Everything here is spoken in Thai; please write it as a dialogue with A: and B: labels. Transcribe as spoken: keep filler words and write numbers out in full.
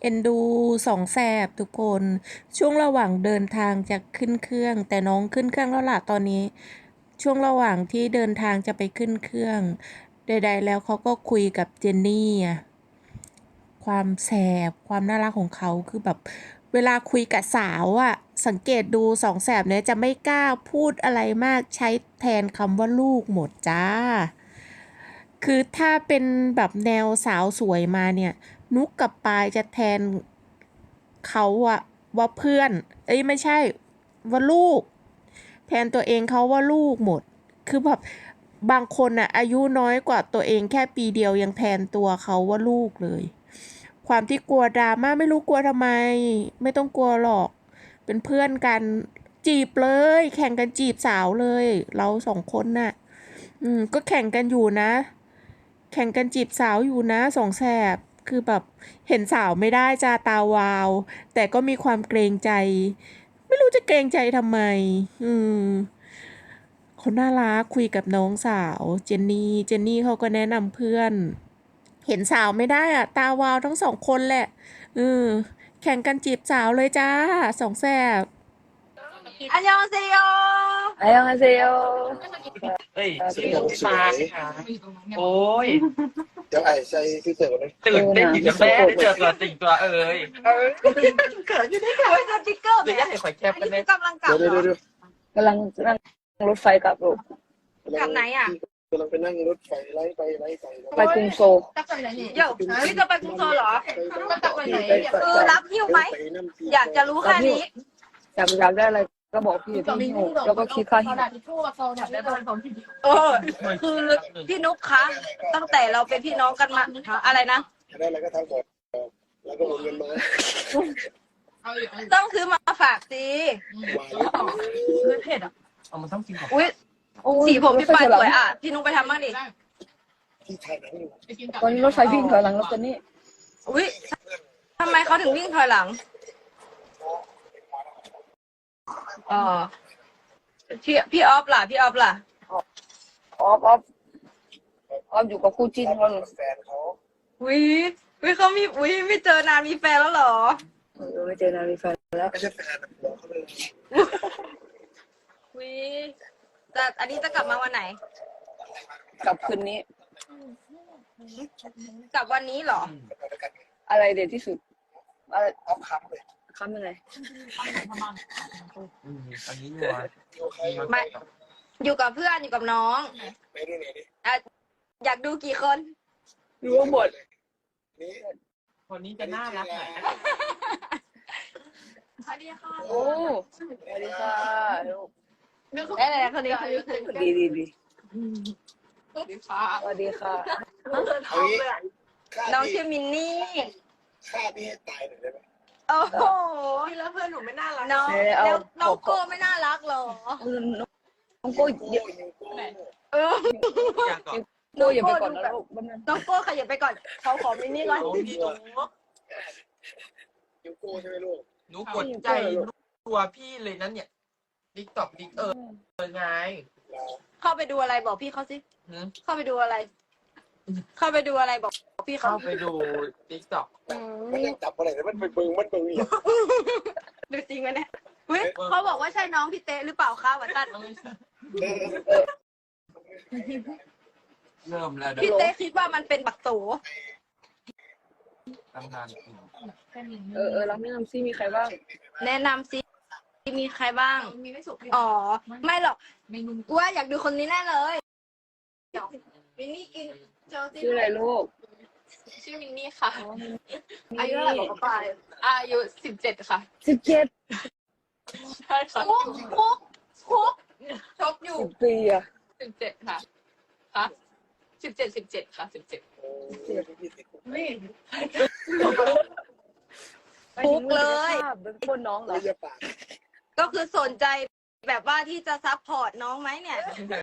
A: เอ็นดูสองแสบทุกคนช่วงระหว่างเดินทางจะขึ้นเครื่องแต่น้องขึ้นเครื่องแล้วล่ะตอนนี้ช่วงระหว่างที่เดินทางจะไปขึ้นเครื่องใดๆแล้วเขาก็คุยกับเจนนี่อะความแสบความน่ารักของเขาคือแบบเวลาคุยกับสาวอะสังเกตดูสองแสบเนี่ยจะไม่กล้าพูดอะไรมากใช้แทนคำว่าลูกหมดจ้า คือถ้าเป็นแบบแนวสาวสวยมาเนี่ยนุกกับปายจะแทนเขาอะว่าเพื่อนเอ้ยไม่ใช่ว่าลูกแทนตัวเองเขาว่าลูกหมดคือแบบบางคนอะอายุน้อยกว่าตัวเองแค่ปีเดียวยังแทนตัวเขาว่าลูกเลยความที่กลัวดราม่าไม่รู้กลัวทำไมไม่ต้องกลัวหรอกเป็นเพื่อนกันจีบเลยแข่งกันจีบสาวเลยเราสองคนน่ะอืมก็แข่งกันอยู่นะ แข่งกันจีบสาวอยู่นะสองแสบคือแบบเห็นสาวไม่ได้จ้าตาวาวแต่ก็มีความเกรงใจไม่รู้จะเกรงใจทำไมอืมคนน่ารักคุยกับน้องสาวเจนนี่เจนนี่เขาก็แนะนำเพื่อนเห็นสาวไม่ได้อะตาวาวทั้งสองคนแหละเออแข่งกันจีบสาวเลยจ้าสองแสบ
B: อันยองเซโย
C: อันยองอาเซโย
D: เฮ้ยชื่อมาค่ะโอ้ย
E: เดี๋ยวไอ้ใส่ฟิลเตอร์ก่อนเลย
D: ตื่นเต้นอยู่กับแม่ได้เจอตัวจริงตัวเอ้ยเออเกิดอยู่ได้ค่ะ
B: เฮ้ยสติ๊กเกอร์
D: หรือยังเห็นข่อยแคบ
B: อัน
D: กัน
B: นี้
D: เนี่ย
B: คือกำลังกลับ
E: เดี๋ยว
B: เหร
E: เดี๋ยว
B: อ
E: เดี๋ยว
C: กำลังนั่งรถไฟกลับลูก
B: กลับไหนอ่ะ
E: กำลังไปนั่งรถไฟไล่ไปไล่ไป
C: ไปกรุงโซล
B: เดี๋ยวนี่จะไปกรุงโซลเหรอคือรับหิ้วไหมอยากจะรู้แค่นี้
C: อยากอยากได้อะไรก็บอกพี่พี่หิ้วแล้วก็คิดค่าหิ้ว
B: เออคือพี่นุ๊กคะตั้งแต่เราเป็นพี่น้องกันมาอะไรนะ
E: ได้อะไรก็ทำก่อนแล้วก็โอนเงินมา
B: ต้องซื้อมาฝากสิ
D: คือเผ็ดอ่ะเอามันต้องกินก่อน
B: อุ้ยสีผมพี่ปายสวยอ่ะพี่นุ๊กไปทำบ้างดิ
E: ที่ถ่ายหนังอยู่
C: ตอนนี้รถไฟวิ่งถอยหลังรถตัวนี้
B: อุ้ยทำไมเขาถึงวิ่งถอยหลังอ๋อพี่พี่ออฟล่ะพี่ออฟล่ะ
C: ออฟออฟออฟอยู่กับคู่จิ้นเขา
E: แฟนเขา
B: อุ้ยอุ้ยเขามีอุ้ยไม่เจอนานมีแฟนแล้วเหรอ
C: เออไม่เจอนานมีแฟนแล้ว
E: ไม่ใช่แฟนหัวเขาเลย
B: อุ้ยแต่อันนี้จะกลับมาวันไหน
C: กลับคืนนี้
B: กลับวันนี้เหรอ
C: อะไรเด็ดที่สุดอะไร
E: เอาคำเลย
C: คำยังไง
D: อืมอันนี้นัว
B: ไม่ อยู่กับเพื่อนอยู่กับน้อง
E: ไปดูหน่อยดิ
B: อ่ะอยากดูกี่คน
C: รู้ว่าหมด
E: นี่
D: คนนี้จะน่ารักหน่อยนะ
C: โอ้สวัสดีค่ะลูก
B: เอ๊ะคนนี้คนนี้
C: ดีดีดี
B: สวัสดีค่ะ
C: สวัสดีค่ะ
E: เอางี้ฆ่า
B: น้อง
E: พี่
B: ชื่อมินนี่
E: ฆ่าพี่ให้ตายหน่อยได้ไหม
B: โอ้โห
F: พี่แล้วเพื่อนหนูไม่น่ารัก
B: น้องแล้วน้องโก้ไม่น่ารักเหรอ
C: น้องโก้
E: โอ้
C: เยอะ
E: ยโก้
B: เออ
D: อยากก่อน
C: โก้อย่าไปก่อนนะลูกบ้านนั้น
B: น้องโก้ขยับไปก่อนเขาขอมินนี่ก่อน
D: น้องพี่หนู
E: ยูโก้ใช่ไหมลูก
D: หนูกดใจตัวพี่เลยนั้นเนี่ยดิ๊กตอกดิ๊กเออเออไง
B: เข้าไปดูอะไรบอกพี่เขาสิ
D: หืม
B: เข้าไปดูอะไร เข้าไปดูอะไรบอกพี่เขา
D: เข้าไปดูดิ๊กตอก
B: อื
E: มัน
B: ม
E: ยังจับอะไรแต่มันไปเบิ่งมันเบิ่งเนี่ย
B: ดูจริงไหมเนี่ยเฮ้ยเขาบอกว่าใช่น้องพี่เต้หรือเปล่าคะวัตัน
D: เริ่มแล้วเดี๋
B: พี่
D: ยว
B: เต้คิดว่ามันเป็นบักโต
D: ทำงานกิน
C: เออเออเราแนะนำซิมีใครบ้าง
B: แนะนำสิมีใครบ้าง
F: มีไม่สุก
B: อ๋อ ไม่หรอก
F: เมนู
B: กูว่าอยากดูคนนี้แน่เลยมินนี่กินเจอสิ
C: ชื่ออะไรลูก
F: ชื่อมินนี่ค่ะ
B: อายุเท่าไหร่บอกเขาไป
F: อายุสิบเจ็ดค่ะ
C: สิบเจ็ด
F: ใช่ค่ะ
B: คุกคุกคุก
F: ชกอยู่
C: สิบปีอะ
F: สิบเจ็ดค่ะค่ะสิบเจ็ดสิบเจ็ดค่ะสิบเจ็ด
E: โอ้ยพี่ติดคุก
F: นี่
B: คุกเลย
C: เป็นคนน้องเหรอ
E: ไม่อย่าปาก
B: ก็คือสนใจแบบว่าที่จะซัพพอร์ตน้องไหมเนี่ย